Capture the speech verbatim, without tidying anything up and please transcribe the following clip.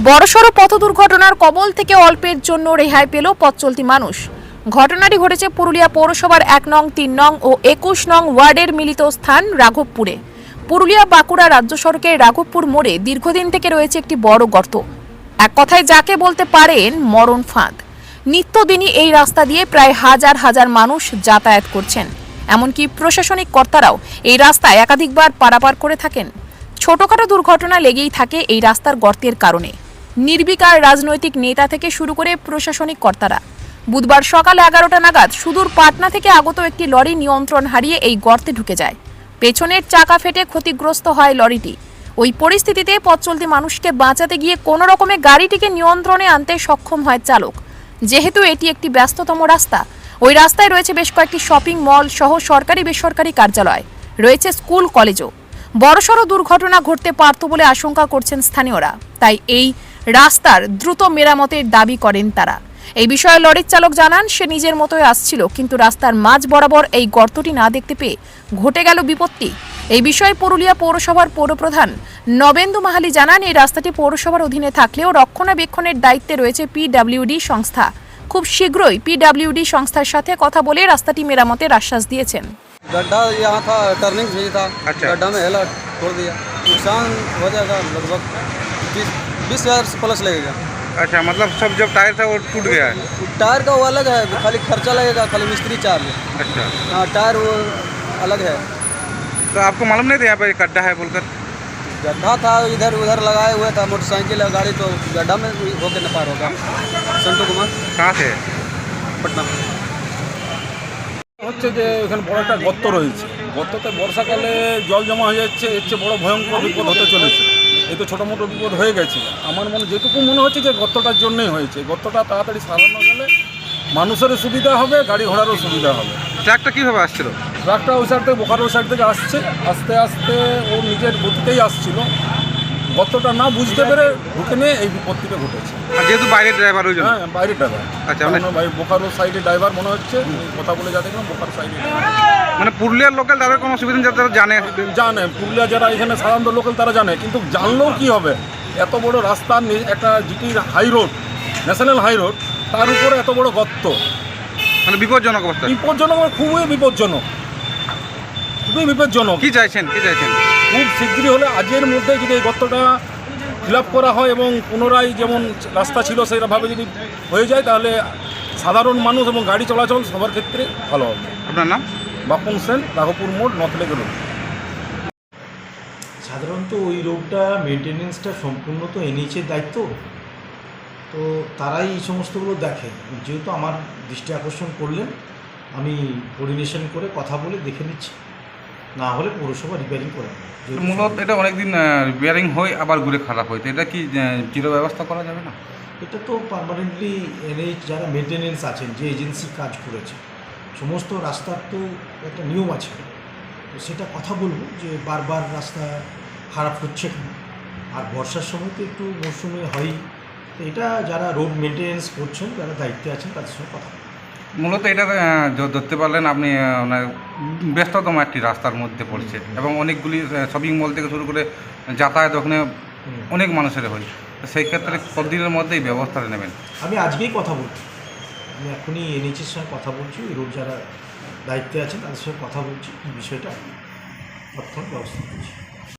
বড়সড় পথ দুর্ঘটনার কবল থেকে অল্পের জন্য রেহাই পেল পথ চলতি মানুষ। ঘটনাটি ঘটেছে পুরুলিয়া পৌরসভার এক নং, তিন নং ও একুশ নং ওয়ার্ডের মিলিত স্থান রাঘবপুরে। পুরুলিয়া বাঁকুড়া রাজ্য সড়কের রাঘবপুর মোড়ে দীর্ঘদিন থেকে রয়েছে একটি বড় গর্ত, এক কথায় যাকে বলতে পারেন মরণ ফাঁদ। নিত্যদিনই এই রাস্তা দিয়ে প্রায় হাজার হাজার মানুষ যাতায়াত করছেন, এমনকি প্রশাসনিক কর্তারাও এই রাস্তায় একাধিকবার পারাপার করে থাকেন। ছোটখাটো দুর্ঘটনা লেগেই থাকে এই রাস্তার গর্তের কারণে। নির্বিকার রাজনৈতিক নেতা থেকে শুরু করে প্রশাসনিক কর্তারা বুধবার সকাল এগারোটা নাগাদ সুদূর পাটনা থেকে আগত একটি লরি নিয়ন্ত্রণ হারিয়ে এই গর্তে ঢুকে যায়। পেছনের চাকা ফেটে ক্ষতিগ্রস্ত হয় লরিটি। ওই পরিস্থিতিতে পথ চলতি মানুষকে বাঁচাতে গিয়ে কোনো রকমে গাড়িটিকে নিয়ন্ত্রণে আনতে সক্ষম হয় চালক। যেহেতু এটি একটি ব্যস্ততম রাস্তা, ওই রাস্তায় রয়েছে বেশ কয়েকটি শপিং মল সহ সরকারি বেসরকারি কার্যালয়, রয়েছে স্কুল কলেজও। বড়সড় দুর্ঘটনা ঘটতে পারত বলে আশঙ্কা করছেন স্থানীয়রা। তাই এই রাস্তার দ্রুত মেরামতের দাবি করেন তারা। এই বিষয়ে লরির চালক জানান, সে নিজের মতোই আসছিল, কিন্তু রাস্তার মাঝ বরাবর এই গর্তটি না দেখতে পেয়ে ঘটে গেল বিপত্তি। এই বিষয়ে পুরুলিয়া পৌরসভার পৌরপ্রধান নবেন্দু মাহালি জানান, এই রাস্তাটি পৌরসভার অধীনে থাকলেও রক্ষণাবেক্ষণের দায়িত্বে রয়েছে পিডব্লিউডি সংস্থা। খুব শীঘ্রই পিডব্লিউডি সংস্থার সাথে কথা বলে রাস্তাটি মেরামতের আশ্বাস দিয়েছেন। गड्ढा यहाँ था, टर्निंग भी था। अच्छा। गड्ढा में हेला छोड़ दिया, नुकसान हो जाएगा लगभग बीस बीस हज़ार प्लस लगेगा। अच्छा, मतलब सब जब टायर था वो टूट गया है? टायर का वो अलग है, खाली खर्चा लगेगा, खाली मिस्त्री चार्ज। अच्छा। हाँ, टायर वो अलग है। तो आपको मालूम नहीं था यहाँ पर गड्ढा है बोलकर? गड्ढा था, इधर उधर लगाए हुए था मोटरसाइकिल और गाड़ी, तो गड्ढा में होकर न पार होगा। संटू कुमार। कहाँ से? पटना। হচ্ছে যে এখানে বড় একটা গর্ত রয়েছে, গর্ততে বর্ষাকালে জল জমা হয়ে যাচ্ছে, এর চেয়ে বড় ভয়ঙ্কর বিপদ হতে চলেছে। এই তো ছোটো মোটো বিপদ হয়ে গেছে। আমার মনে যেটুকু মনে হচ্ছে যে গর্তটার জন্যই হয়েছে। গর্তটা তাড়াতাড়ি সারানো গেলে মানুষেরও সুবিধা হবে, গাড়ি ঘোড়ারও সুবিধা হবে। ট্রাকটা কীভাবে আসছিল? ট্রাকটা ওই সাইড থেকে, বোকারো সাইড থেকে আসছে, আস্তে আস্তে ও নিজের গতিতেই আসছিল। গর্তটা না বুঝতে পেরে ঢুকে নিয়ে এই বিপত্তিটা ঘটেছে। আর যেহেতু বাইরের ড্রাইভার ওই জন্য? হ্যাঁ, বাইরের ড্রাইভার। আচ্ছা, মানে বোকারো সাইডে ড্রাইভার মনে হচ্ছে, কথা বলে যা দেখলাম বোকারো সাইডে। মানে পুরুলিয়ার লোকাল তাদের কোনো অসুবিধা নেই, যারা জানে জানে পুরুলিয়া যারা এখানে সাধারণত লোকাল তারা জানে, কিন্তু জানলেও কি হবে, এত বড় রাস্তা, একটা জিটির high road, national high road, তার উপরে এত বড় গর্ত, মানে বিপজ্জনক অবস্থা। বিপজ্জনক, খুবই বিপজ্জনক, খুবই বিপজ্জনক। কি চাইছেন কি চাইছেন খুব শীঘ্রই হলে আজকের মধ্যে যদি এই গর্তটা ফিল আপ করা হয় এবং পুনরায় যেমন রাস্তা ছিল সেইভাবে যদি হয়ে যায়, তাহলে সাধারণ মানুষ এবং গাড়ি চলাচল সবার ক্ষেত্রে ভালো হবে। আপনার নাম? বাপন সেন, রাঘবপুর মোড়, নথলেক রোড। সাধারণত ওই রোডটা মেনটেনেন্সটা সম্পূর্ণ তো এনএইচের দায়িত্ব, তো তারাই এই সমস্তগুলো দেখে। যেহেতু আমার দৃষ্টি আকর্ষণ করলেন, আমি কোঅর্ডিনেশন করে কথা বলে দেখে নিচ্ছি, না হলে পৌরসভা রিপেয়ারিং করে নেবে। মূলত এটা অনেকদিন রিপেয়ারিং হয়, আবার ঘুরে খারাপ হয়, তো এটা কি চির ব্যবস্থা করা যাবে না? এটা তো পার্মানেন্টলি এনএইচ যারা মেনটেনেন্স আছেন, যে এজেন্সি কাজ করেছে, সমস্ত রাস্তার তো একটা নিয়ম আছে, তো সেটা কথা বলবো যে বারবার রাস্তা খারাপ হচ্ছে কেন। আর বর্ষার সময় তো একটু মরশুমে হয়ই, তো এটা যারা রোড মেনটেনেন্স করছেন, যারা দায়িত্বে আছেন, তাদের সঙ্গে কথা বলবো। মূলত এটা ধরতে পারলেন আপনি, মানে ব্যস্ততম একটি রাস্তার মধ্যে পড়ছে এবং অনেকগুলি শপিং মল থেকে শুরু করে যাতায়াত ওখানে অনেক মানুষের হয়, তো সেই ক্ষেত্রে কতদিনের মধ্যেই ব্যবস্থাটা নেবেন? আমি আজকেই কথা বলছি, আমি এখনই এনএইচের সঙ্গে কথা বলছি, রোড যারা দায়িত্বে আছেন তাদের সঙ্গে কথা বলছি, এই বিষয়টা তৎক্ষণাৎ ব্যবস্থা করছি।